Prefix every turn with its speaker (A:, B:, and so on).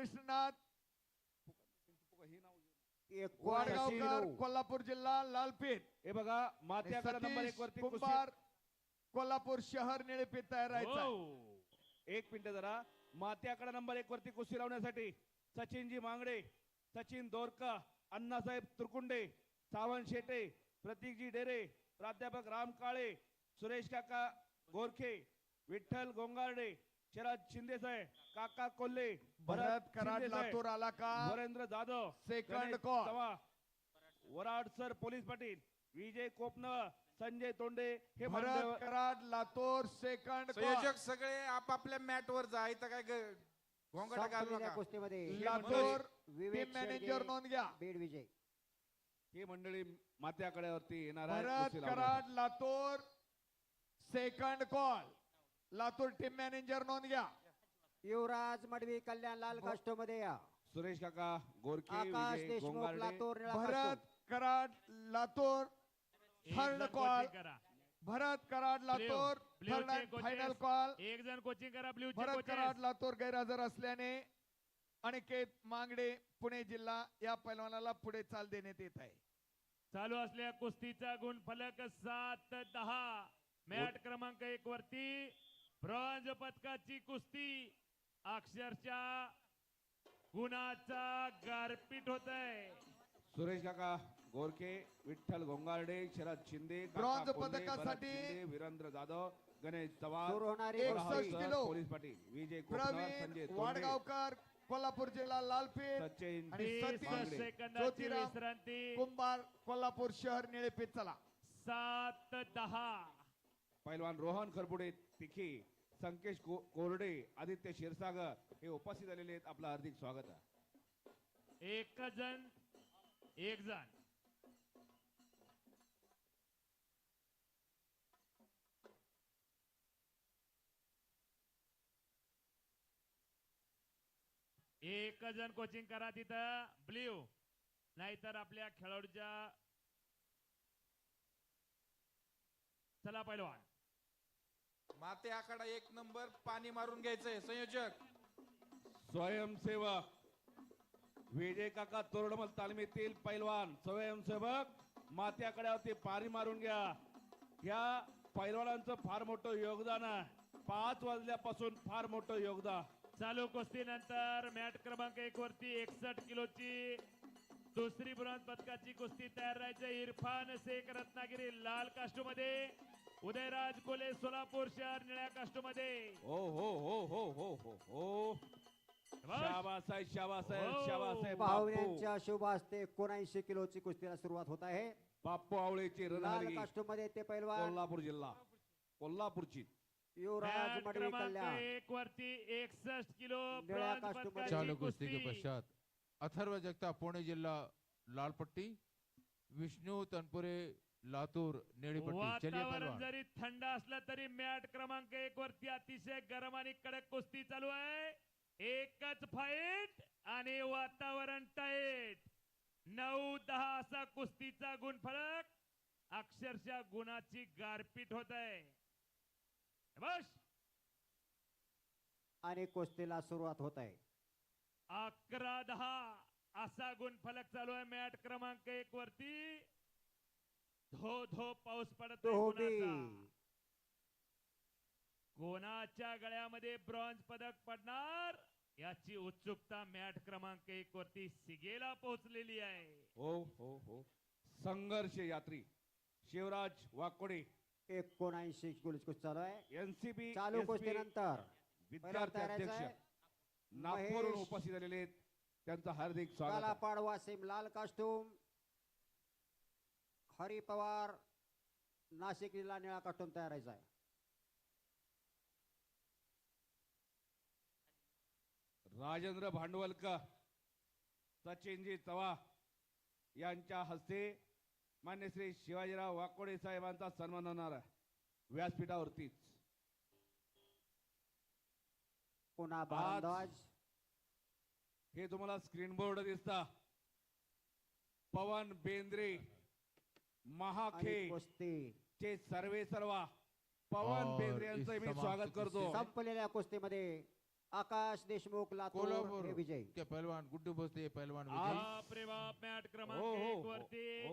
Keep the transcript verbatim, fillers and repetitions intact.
A: कृष्णनाथ
B: एकोणऐंशी
A: वाडगावकर
B: किलो.
A: कोल्हापूर जिल्हा लालपेठ
C: हे बघा माती आकडा नंबर
A: सतीश
C: एक वरती
A: कुंभार कोल्हापूर शहर निळेपेठ तयार राहायचा आहे.
D: हो.
C: एक मिनिट जरा माती आकडा नंबर एक वरती कुस्ती लावण्यासाठी सचिनजी मांगडे, सचिन दोरका, अण्णासाहेब तुरकुंडे, सावंत शेटे, प्रतीकजी डेरे, प्राध्यापक राम काळे, सुरेश काका गोरखे, विठ्ठल गोंगारडे, शरद शिंदे साहेब, काका कोल्हे,
A: भरत कराड
C: शिंदे साहेब,
A: लातूर आला का
C: Varendra Jadhav,
A: second
C: Ganesh
A: call.
C: Chavan, Varad sir police Patil, Vijay Kopnal, Sanjay Tonde हे
A: भरत
C: मान्यवर-
A: कराड लातूर सेकंड
E: संयोजक सगळे आपापल्या मॅट वर जा. इथं काय ग- घोंगाट घालू
B: संपलेल्या
E: नका.
B: कुस्तीमध्ये
A: लातूर
B: विवेक
A: टीम मॅनेजर
B: शेळके,
A: नोंद घ्या.
B: बीड विजय.
C: ही मंडळी माती आकड्यावरती येणार आहे
A: भरत
C: कुस्ती लावण्यासाठी.
A: Karad Latur second call. Latur team manager नोंद घ्या.
B: युवराज मडवी कल्याण लाल कास्टो मध्ये या.
C: सुरेश काका गोरखे,
B: आकाश
C: विजय
B: देशमुख
C: गोंगारडे,
B: लातूर निळा
A: भरत
B: कास्टो.
A: कराड लातूर
D: एक
A: थर्ड
D: जण
A: कॉल.
D: कोचिंग करा.
A: भरत कराड लातूर
D: ब्ल्यू
A: थर्ड
D: चे
A: अँड
D: कोचेस.
A: Final call.
D: एक जण कोचिंग करा ब्ल्यू चे
A: भरत
D: कोचेस.
A: कराड लातूर गैरहजर असल्याने अनिकेत मांगडे पुणे जिल्हा या पैलवानाला पुढे चाल देण्यात येत आहे.
D: चालू असलेल्या कुस्तीचा गुण फलक सात दहा. मॅट क्रमांक एक वरती ब्रॉन्झ पदकाची कुस्ती अक्षरशः गुणाचा गारपीट होत आहे.
C: सुरेश काका गोरखे, विठ्ठल गोंगारडे, शरद शिंदे, काका
A: ब्रॉन्झ
C: कोल्हे,
A: पदकासाठी
C: भरत शिंदे, वीरेंद्र जाधव, गणेश चव्हाण,
B: सुरू होणारी
C: वराड
A: एकसष्ट
C: sir,
A: kilo.
C: Police Patil, Vijay Kopnal, Sanjay
A: Pravin
C: Tonde,
A: Wadgaonkar Kolhapur जिल्हा लालपेठ
C: सचिन
A: आणि
D: तीस
A: सतीश
C: मांगडे.
D: सेकंदाची
A: ज्योतिराम
D: विश्रांती.
A: कुंभार कोल्हापूर शहर निळेपेठ. चला
D: सात दहा.
C: पैलवान रोहन खरपुडे तिखी, संकेश को- कोरडे, आदित्य क्षीरसागर हे उपस्थित झालेले आहेत. आपलं हार्दिक स्वागत आहे.
D: एक जण एक जण एक जण कोचिंग करा तिथं ब्ल्यू, नाहीतर आपल्या खेळाडूच्या. चला पैलवान.
E: माते आखाडा एक नंबर पाणी मारून घ्यायचंय. संयोजक
C: स्वयंसेवक विजय काका तोरडमल तालमीतील पैलवान स्वयंसेवक माती आकड्यावरती पारी मारून घ्या. ह्या पैलवानांचं फार मोठं योगदान आहे. पाच वाजल्यापासून फार मोठं योगदान.
D: चालू कुस्तीनंतर मॅट क्रमांक एक वरती एकसष्ट किलोची दुसरी ब्रॉन्झ पदकाची कुस्ती तयार राहायचं. इरफान शेख रत्नागिरी लाल कास्टो मध्ये, उदयराज कोले सोलापूर शहर निळ्या कास्टो मध्ये.
C: हो हो हो हो हो हो हो शाबास आहे, शाबास आहे,
D: हो.
C: शाबास आहे. बापू
B: पाहुण्यांच्या शुभ हस्ते एकोणऐंशी किलोची कुस्तीला सुरुवात होत आहे.
C: बापू आवळेची
B: लाल
C: रणहलगी
B: कास्टो मध्ये ते पैलवान
C: कोल्हापूर जिल्हा कोल्हापूरची.
B: युवराज
D: मॅट
B: मडवी
D: क्रमांक
B: कल्याण.
D: एक वरती एकसष्ट किलो
B: निळ्या
D: ब्रॉन्झ
B: कास्टो मध्ये.
F: चालू
D: पदकाची
F: कुस्ती के
D: कुस्ती.
F: पश्चात अथर्व जगताप पुणे जिला लाल पट्टी, विष्णु तनपुरे लातूर नीली पट्टी. चलिए
D: वातावरण
F: पहलवान.
D: जरी थंड असलं तरी मॅट क्रमांक एक वरती अतिशय गरम आणि कडक कुस्ती चालू आहे. एकच फाईट आणि वातावरण टाईट. नऊ दहा असा कुस्तीचा गुणफलक. अक्षरशः गुणाची गारपीट होत आहे. बस
B: आणि कुस्तीला सुरुवात होत आहे.
D: अकरा दहा असा गुणफलक चालू आहे मॅट क्रमांक एक वरती. धो धो पाऊस पडत आहे
B: धोबी.
D: गुणाचा. कोणाच्या गळ्यामध्ये ब्रॉन्झ पदक पडणार याची उत्सुकता मॅट क्रमांक एक वरती सिगेला पोहोचलेली आहे.
C: हो हो हो संघर्ष यात्री शिवराज वाकोडे
B: एकोणऐंशी किलोची कुस्ती चालू आहे.
C: एनसीबी
B: चालू कुस्तीनंतर
C: विद्यार्थी अध्यक्ष नागपूरहून उपस्थित झालेले आहेत. त्यांचं हार्दिक स्वागत आहे.
B: कालापाड वासिम लाल कास्टूम, हरी पवार नाशिक जिल्हा निळा कास्टूम तयार आहे.
C: राजेंद्र भांडवलकर, सचिनजी चव्हाण यांच्या हस्ते मान्य श्री शिवाजीराव वाकोडे साहेबांचा सन्मान होणार आहे व्यासपीठावरतीच.
B: पुन्हा भारद्वाज.
C: हे तुम्हाला स्क्रीन बोर्ड दिसता. पवन बेंद्रे महाखे
B: आणि कुस्ती
C: चे सर्वे सर्वा पवन
F: और
C: बेंद्रे यांचं
F: इस
C: मी
F: समाप्त
C: स्वागत करतो.
B: संपलेल्या कुस्तीमध्ये आकाश देशमुख लातूर
F: कोल्हापूर
B: हे विजयी
F: के पहलवान गुड्डू भोसले पहलवान विजयी
D: बाप रे बाप मॅट क्रमांक
C: हो, हो,
D: एक
C: हो,
D: वरती